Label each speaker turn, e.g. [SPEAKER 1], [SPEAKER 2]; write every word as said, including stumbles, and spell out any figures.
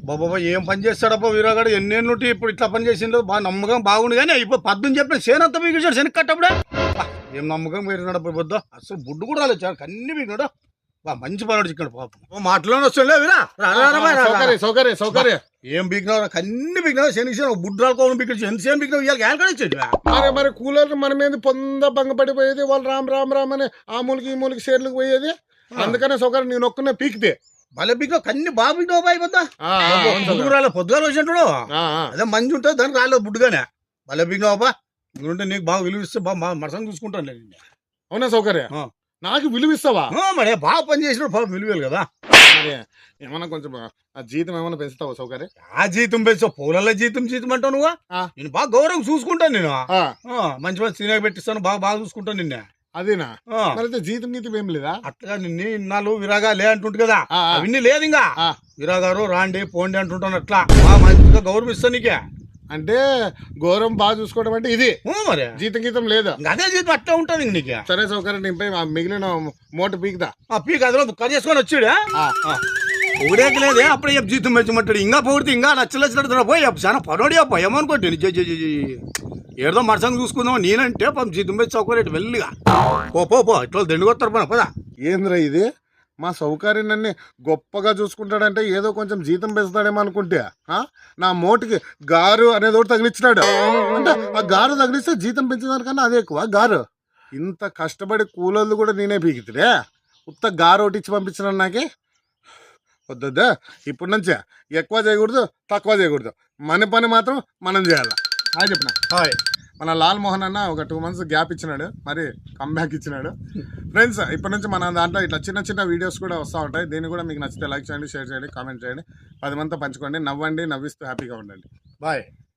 [SPEAKER 1] బాబా ఏం పని చేస్తాడబ్బా వీరాగాడు ఎన్నేళ్ళు ఇప్పుడు ఇట్లా పని చేసిండో బాగా నమ్మకం బాగుండు కానీ ఇప్పుడు పద్దుని చెప్పిన సేనంతా పీకించాడు శనక్ కట్టప్పుడే ఏం నమ్మకం పెరిగినాడు పొద్దు అసలు బుడ్డు కూడా రాలేదు చాలా కన్ని పీకినాడు బా మంచి పనుడు ఇక్కడ పాపం మాటలోనే వస్తుండే వీరా
[SPEAKER 2] సౌకర్య సౌకర్య
[SPEAKER 1] ఏం పీకినావు కన్ని పీకినావు శనికి బుడ్డు రాలుకోవడం పీకించు ఎంత సేమ్ పీకినావు ఇవాళ గ్యాన్ కూడా ఇచ్చాడు
[SPEAKER 2] మరి మరి కూలర్ మన మీద పొంద భంగపడిపోయేది వాళ్ళు రామ్ రామ్ రామ్ అని ఆ మూలకి ఈ మూలకి షేర్లకు పోయేది అందుకనే సౌకర్యం నేను ఒక్కనే పీకితే
[SPEAKER 1] భలే పీకినావు కన్ని బాగా పీకినావు బాయ్ పొద్దా పొద్దుకు రాలేదు పొద్దుగా వచ్చినట్టు అదే మంచి ఉంటుంది దానికి రాలేదు బుడ్డుగానే భలే పీకినావు బా ఉంటే నీకు బాగా విలువిస్తే బాగా మరసంగా చూసుకుంటాను నేను
[SPEAKER 2] అవునా సౌకర్య నాకు విలువిస్తావా
[SPEAKER 1] మరి బాగా పని చేసినప్పుడు బాగా విలువేలు కదా
[SPEAKER 2] ఏమన్నా కొంచెం ఆ జీతం ఏమన్నా పెంచుతావా సౌకర్యం
[SPEAKER 1] ఆ జీతం పెంచావు పూలల్లో జీతం జీతం అంటావు నువ్వు నేను బాగా గౌరవం చూసుకుంటాను నేను మంచి మంచి తినక పెట్టిస్తాను బాగా బాగా చూసుకుంటాను నిన్న
[SPEAKER 2] అదేనా మరి జీతం గీతం ఏం లేదా
[SPEAKER 1] అట్లా నిన్న ఇన్నాళ్ళు విరాగా లే అంటుంటు కదా అవన్నీ లేదు ఇంకా విరాగారు రాండి పోండి అంటుంటాను అట్లా బాగా మంచిగా గౌరవిస్తాను నీకే
[SPEAKER 2] అంటే గౌరవం బాగా చూసుకోవడం అంటే ఇది
[SPEAKER 1] మరి
[SPEAKER 2] జీతం గీతం లేదా
[SPEAKER 1] అదే జీతం అట్లా ఉంటుంది ఇంక నీకు
[SPEAKER 2] సరే సౌకర్యం నింపై మిగిలిన మూట పీకుదా
[SPEAKER 1] ఆ పీక్ అదిలో కట్ చేసుకొని వచ్చాడా ఊరేకి లేదే అప్పుడే చెప్పు జీతం పెంచమంటాడు ఇంకా పొగిడితే ఇంకా నచ్చలచ్చినట్టు పోయి చాలా పనోడి అప్ప ఏమనుకోండి ఏదో మరసంగా చూసుకుందాం నేనంటే పాపం జీతం పెంచి సౌకర్యం వెళ్ళిగా పో పో పో ఇట్లా దండుకొస్తారు పన పదా
[SPEAKER 2] ఏంద్రా ఇది మా సౌకర్యం నన్ను గొప్పగా చూసుకుంటాడంటే ఏదో కొంచెం జీతం పెంచుతాడేమో అనుకుంటే నా మోటికి గారు అనేది ఒకటి తగిలిచ్చినాడు అంటే ఆ గారు తగిలిస్తే జీతం పెంచేదానికన్నా అదే ఎక్కువ గారు ఇంత కష్టపడి కూలోళ్ళు కూడా నేనే పీకితే ఉత్త గారు ఒకటి ఇచ్చి పంపించినాను నాకే వద్దొద్దా ఇప్పటి నుంచే ఎక్కువ చేయకూడదు తక్కువ చేయకూడదు మన పని మాత్రం మనం చేయాలి హాయ్ చెప్పిన
[SPEAKER 1] హాయ్
[SPEAKER 2] మన లాల్ మోహన్ అన్న ఒక టూ మంత్స్ గ్యాప్ ఇచ్చినాడు మరి కమ్బ్యాక్ ఇచ్చినాడు ఫ్రెండ్స్ ఇప్పటి నుంచి మన దాంట్లో ఇట్లా చిన్న చిన్న వీడియోస్ కూడా వస్తూ ఉంటాయి దీన్ని కూడా మీకు నచ్చితే లైక్ చేయండి షేర్ చేయండి కామెంట్ చేయండి పది మందితో పంచుకోండి నవ్వండి నవ్విస్తూ హ్యాపీగా ఉండండి
[SPEAKER 1] బాయ్.